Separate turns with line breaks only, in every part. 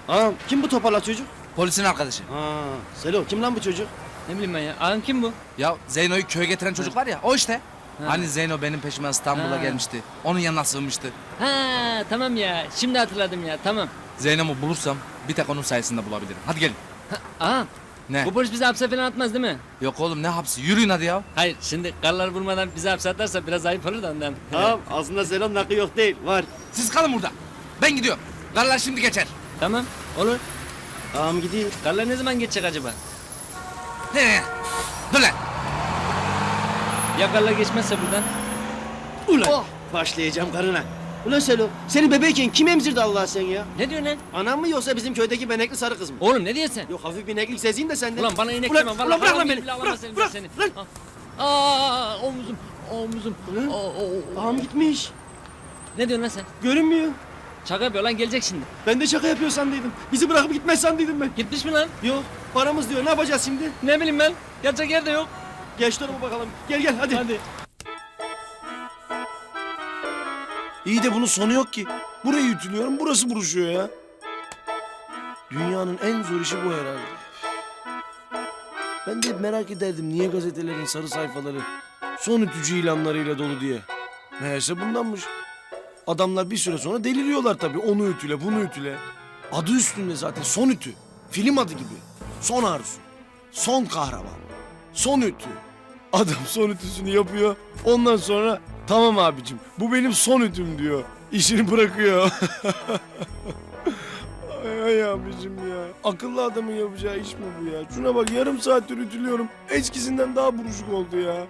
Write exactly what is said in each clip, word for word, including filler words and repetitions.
Ağam kim bu toparlak çocuk?
Polisin arkadaşı.
Aa, Selo kim lan bu çocuk?
Ne bileyim ben ya. Ağam kim bu?
Ya Zeyno'yu köye getiren çocuk var ya, o işte.
Ha.
Hani Zeyno benim peşime İstanbul'a
Ha.
gelmişti. Onun yanına sığınmıştı.
Ha tamam ya. Şimdi hatırladım ya. Tamam.
Zeyno'mu bulursam bir tek onun sayesinde bulabilirim. Hadi gelin.
Ağam.
Ne?
Bu polis bizi hapse falan atmaz değil mi?
Yok oğlum, ne hapsi? Yürüyün hadi ya.
Hayır şimdi karlar vurmadan bizi hapse atarsa biraz ayıp olur da ondan.
Ağam aslında Selo'nun hakkı yok değil var.
Siz kalın burada. Ben gidiyorum. Karlar şimdi geçer.
Tamam olur.
Ağam gidiyor.
Karlar ne zaman geçecek acaba?
He. Dur lan.
Ya karlar geçmezse buradan?
Ulan
Oh.
başlayacağım karına. Ulan Selo seni bebekken kim emzirdi Allah sen ya?
Ne diyorsun lan?
Anam mı yoksa bizim köydeki benekli sarı kız mı?
Oğlum ne diyorsun sen?
Yok hafif bir ineklik sezeyim de senden.
Ulan bana inek
ulan,
deme. Vallahi
ulan bırak lan
haram
beni.
gibi Allah
Bırak
seni,
bırak.
seni.
Lan.
Aa omuzum. Omuzum.
Ulan.
Aa, o- o-
Ağam gitmiş.
Ne diyorsun lan sen?
Görünmüyor.
Şaka yapıyor lan gelecek şimdi.
Ben de şaka yapıyor sandıydım. Bizi bırakıp gitmez sandıydım ben.
Gitmiş mi lan?
Yok paramız diyor ne yapacağız şimdi?
Ne bileyim ben. Yatacak yer de yok.
Geç tarafa bakalım. Gel gel hadi.
Hadi.
İyi de bunun sonu yok ki. Burayı ütülüyorum, burası buruşuyor ya. Dünyanın en zor işi bu herhalde. Ben de hep merak ederdim niye gazetelerin sarı sayfaları son ütücü ilanlarıyla dolu diye. Meğerse bundanmış. Adamlar bir süre sonra deliriyorlar tabii. Onu ütüle, bunu ütüle. Adı üstünde zaten son ütü. Film adı gibi. Son arzu. Son kahraman. Son ütü. Adam son ütüsünü yapıyor. Ondan sonra tamam abicim bu benim son ütüm diyor. İşini bırakıyor. ay, ay abicim ya. Akıllı adamın yapacağı iş mi bu ya? Şuna bak yarım saattir ütülüyorum. Eskisinden daha buruşuk oldu ya.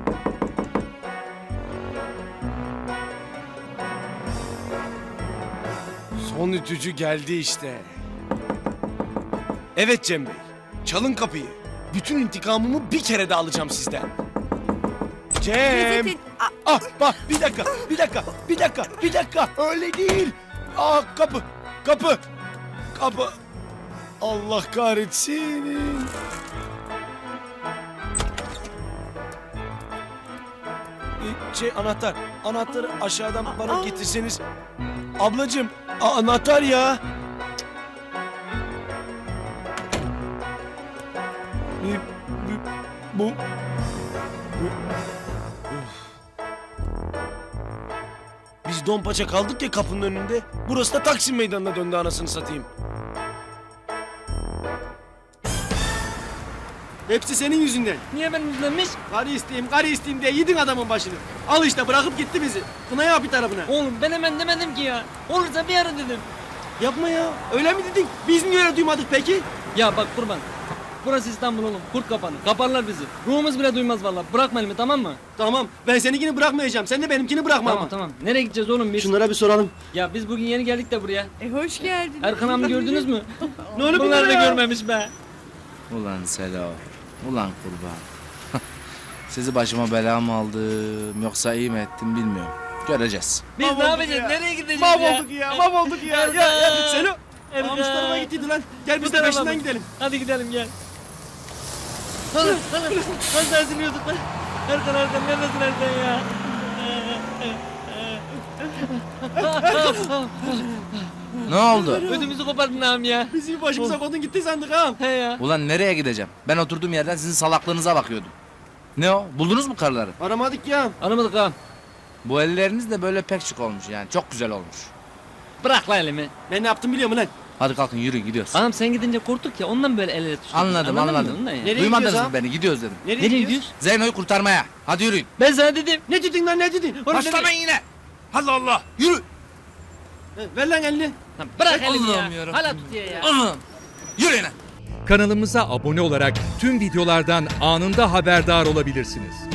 Son ütücü geldi işte. Evet Cem Bey. Çalın kapıyı. Bütün intikamımı bir kere de alacağım sizden. Cem.
Gazetin- Aa,
Ah bak bir dakika, bir dakika, bir dakika, bir dakika. Öyle değil. Ah kapı, kapı, kapı. Allah kahretsin. Ee, Şey anahtar, anahtarı aşağıdan bana
Aa.
getirseniz. Ablacığım, a- anahtar ya. Ee, bu, bu, Biz Donpaça kaldık ya kapının önünde. Burası da Taksim Meydanı'na döndü anasını satayım.
Hepsi senin yüzünden.
Niye benim yüzümdenmiş?
Karı isteyeyim, karı isteyeyim diye yedin adamın başını. Al işte bırakıp gitti bizi. Kına yap bir tarafına.
Oğlum ben hemen demedim ki ya. Olursa bir ara dedim.
Yapma ya. Öyle mi dedin? Biz niye öyle duymadık peki?
Ya bak kurban. Burası İstanbul oğlum. Kurt kapanı. Kaparlar bizi. Ruhumuz bile duymaz vallahi. Bırakma elimi tamam mı?
Tamam. Ben seninkini bırakmayacağım. Sen de benimkini bırakma
Tamam
ama.
tamam. Nereye gideceğiz oğlum biz?
Şunlara bir soralım.
Ya biz bugün yeni geldik de buraya.
E, hoş geldin.
Erkan abi gördünüz mü?
Ne oluyor
Bunlar da
bunlara ya?
görmemiş be.
Ulan Selo. Ulan kurban. Sizi başıma bela mı aldım yoksa iyi mi ettim bilmiyorum. Göreceğiz.
Biz
Mahvolduk
ne yapacağız?
ya.
Nereye gideceğiz
Mahvolduk ya. Mahvolduk ya. Ya, ya.
Erkan.
Selo.
Erkan.
Almış tarafa gittiydi lan. Gel biz
Bu
de
tarafa
peşinden
mı?
gidelim.
Hadi gidelim gel. Hadi hadi. Nasıl eziliyorduk lan? Erkan Erkan neredesin Erkan ya?
Ne oldu?
Ödümüzü kopardın ağam ya.
Bizi başımıza kodun gitti sandık ha.
He ya.
Ulan nereye gideceğim? Ben oturduğum yerden sizin salaklığınıza bakıyordum. Ne o? Buldunuz mu karıları?
Aramadık ya.
Anlamadık ağam.
Bu elleriniz de böyle pek şık olmuş yani. Çok güzel olmuş.
Bırak lan elimi.
Ben ne yaptım biliyor musun lan?
Hadi kalkın yürüyün gidiyoruz.
Ağam sen gidince korktuk ya ondan böyle el ele tutuştuk.
Anladım
Anladın mı?
anladım.
Ondan ya.
Nereye
Duymadınız
gidiyoruz
mı
ha?
beni? Gidiyoruz dedim.
Nereye,
Nereye
gidiyoruz?
gidiyoruz?
Zeyno'yu kurtarmaya. Hadi yürüyün.
Ben sana dedim.
Ne dedin lan ne dedin? Oğlum,
Başlamayın yine. Allah Allah. Yürü.
ne- Ver lan elini.
Lan bırak elimi
Allah'ım
ya.
yarabbim.
Hala tutuyor ya.
Allah'ım. Yürüyün.
Kanalımıza abone olarak tüm videolardan anında haberdar olabilirsiniz.